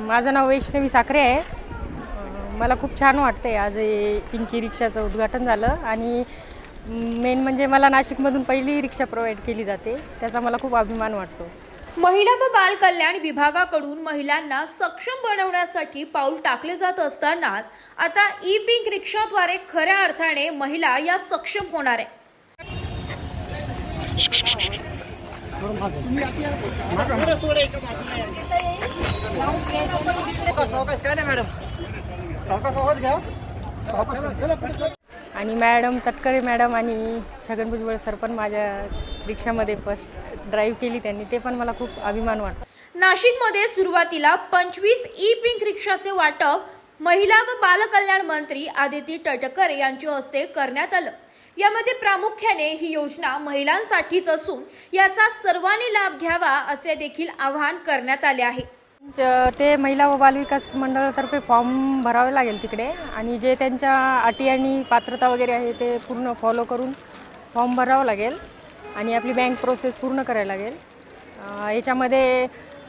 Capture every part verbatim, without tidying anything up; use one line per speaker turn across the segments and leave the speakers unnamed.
माझं नाव वैष्णवी साखरे आहे। अ, मला खूप छान वाटतंय आज हे पिंकी रिक्षाचं उद्घाटन झालं आणि मेन म्हणजे मला नाशिकमधून पहिली रिक्षा प्रोव्हाइड केली जाते, त्याचा मला खूप अभिमान वाटतो।
महिला व बाल कल्याण विभागाकडून महिलांना सक्षम बनवण्यासाठी पाऊल टाकले जात असतानाच आता ई पिंक रिक्षाद्वारे खऱ्या अर्थाने महिला या सक्षम होणार आहे।
आणि मॅडम तटकरे मॅडम आणि छगन भुजबळ सर पण माझ्या रिक्षामध्ये फर्स्ट ड्राईव्ह केली त्यांनी, ते पण मला खूप अभिमान वाटतो।
नाशिकमध्ये सुरुवातीला पंचवीस ई पिंक रिक्षाचे वाटप महिला व बाल कल्याण मंत्री आदिती तटकरे यांच्या हस्ते करण्यात आलं। यामध्ये प्रामुख्याने ही योजना महिलांसाठीच असून याचा सर्वांनी लाभ घ्यावा असे देखील आवाहन करण्यात आले आहे।
ते महिला व बालविकास मंडळातर्फे फॉर्म भरावे लागेल तिकडे आणि जे त्यांच्या अटी आणि पात्रता वगैरे आहे ते पूर्ण फॉलो करून फॉर्म भरावं लागेल आणि आपली बँक प्रोसेस पूर्ण करायला लागेल। याच्यामध्ये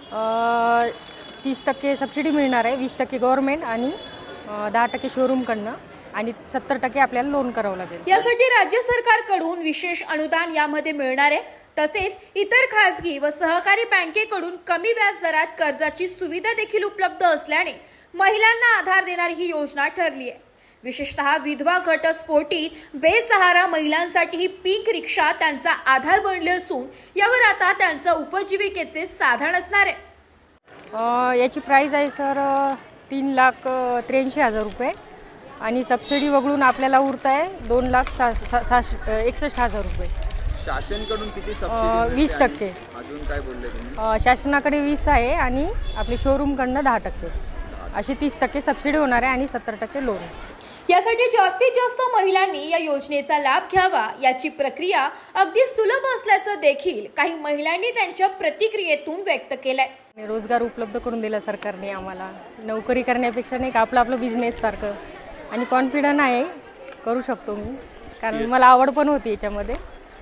तीस टक्के सबसिडी मिळणार आहे, वीस टक्के गव्हर्नमेंट आणि दहा टक्के शोरूमकडनं आणि सत्तर टक्के आपल्याला लोन करावं लागेल।
यासाठी राज्य सरकारकडून विशेष अनुदान यामध्ये मिळणार आहे। तसेच इतर खासगी व सहकारी बँकेकडून कमी व्याज दरात कर्जाची सुविधा देखील उपलब्ध असल्याने महिलांना आधार देणारी ही योजना ठरली आहे। विशेषतः विधवा घटस्फोटित बेसहारा महिलांसाठी ही पिंक रिक्षा त्यांचा आधार बनली असून यावर आता त्यांचं उपजीविकेचे साधन असणार आहे।
याची प्राइस आहे सर तीन लाख त्र्याऐंशी हजार रुपये आणि सबसिडी वगळून आपल्याला उरत आहे दोन लाख सा सा एकसष्ट हजार रुपये।
शासनाकडून किती सबसिडी?
वीस टक्के।
अजून काय बोलले तुम्ही?
शासनाकडे वीस आहे आणि आपले शोरूमकडनं दहा टक्के अशी तीस टक्के सबसिडी होणार आहे आणि सत्तर टक्के लोन।
यासाठी जास्तीत जास्त महिलांनी या योजनेचा लाभ घ्यावा याची प्रक्रिया अगदी सुलभ असल्याचं देखील काही महिलांनी त्यांच्या प्रतिक्रियेतून व्यक्त केलंय।
रोजगार उपलब्ध करून दिला सरकारने आम्हाला, नोकरी करण्यापेक्षा नाही का आपलं आपलं बिझनेस सारखं आणि कॉन्फिडंट आहे करू शकतो मी, कारण मला आवड पण होती याच्यामध्ये।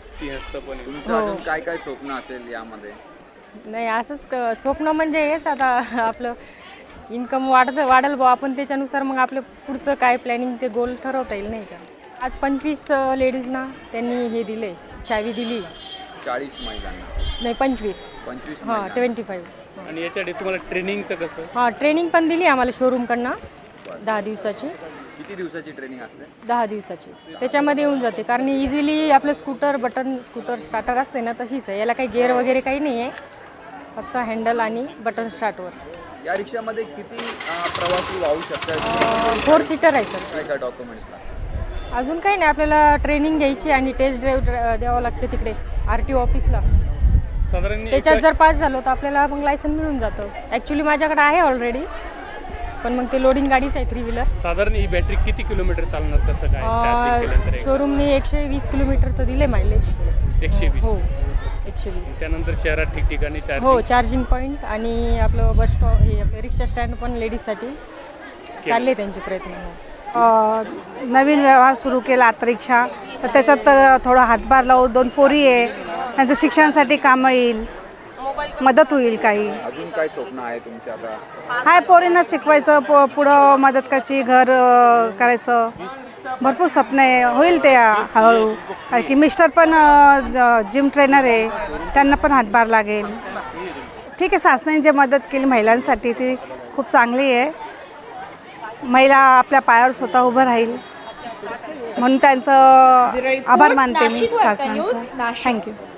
अजून काय काय स्वप्न असेल यामध्ये? नाही
असंच स्वप्न म्हणजे हेच आता आपलं इन्कम वाढत वाढेल बुवा, आपण त्याच्यानुसार मग आपलं पुढचं काय प्लॅनिंग ते गोल ठरवता येईल नाही का। आज पंचवीस लेडीजना त्यांनी हे दिले, चावी दिली।
चाळीस महिलांना
नाही पंचवीस
पंचवीस
हां ट्वेंटी फाईव्ह।
आणि याच्यासाठी तुम्हाला ट्रेनिंगचं कसं?
हां ट्रेनिंग पण दिली आम्हाला शोरूमकडनं दहा दिवसाची।
किती दिवसाची ट्रेनिंग असते?
दहा दिवसाची त्याच्यामध्ये येऊन जाते, कारण इझिली आपलं स्कूटर बटन स्कूटर स्टार्टर असते ना तशीच आहे, याला काही गेअर वगैरे काही नाही आहे, फक्त हँडल आणि बटन स्टार्टवर।
या रिक्षामध्ये किती प्रवासी वाहू शकतात?
फोर सीटर आहे सर।
काय काय डॉक्युमेंट्स लागतात?
अजून काही नाही, आपल्याला ट्रेनिंग घ्यायची आणि टेस्ट ड्राईव्ह द्यावं लागते तिकडे आर टी ओ ऑफिसला।
साधारण
त्याच्यात जर पास झालो तर आपल्याला मग लायसन मिळून जातं। ॲक्च्युली माझ्याकडे आहे ऑलरेडी, पण मग ते लोडिंग गाडीच आहे थ्री व्हीलर।
साधारण ही बॅटरी किती किलोमीटर चालणार कसं काय?
शोरूमने एकशे वीस किलोमीटरचं दिले मायलेज। एकशे वीस हो एकशे वीस।
त्यानंतर शहरात ठिकठिकाणी
हो चार्जिंग पॉईंट आणि आपलं बस स्टॉप हे आपलं रिक्षा स्टँड पण लेडीजसाठी चालले त्यांचे प्रयत्न।
नवीन व्यवहार सुरू केला आता रिक्षा, तर त्याच्यात थोडा हातभार लावून दोन पोरी आहे त्यांचं शिक्षणासाठी कामं येईल, मदत होईल काही।
अजून काय स्वप्न आहे तुमच्या? आता
हाय पोरींना शिकवायचं, पु पुढं मदत करायची, घर करायचं, भरपूर स्वप्न आहे, होईल ते हळूहळू। कारण की मिस्टर पण जिम ट्रेनर आहे, त्यांना पण हातभार लागेल। ठीक आहे, शासनाने जे मदत केली महिलांसाठी ती खूप चांगली आहे। महिला आपल्या पायावर स्वतः उभं राहील म्हणून त्यांचं आभार मानते मी शासनाचं। थँक्यू।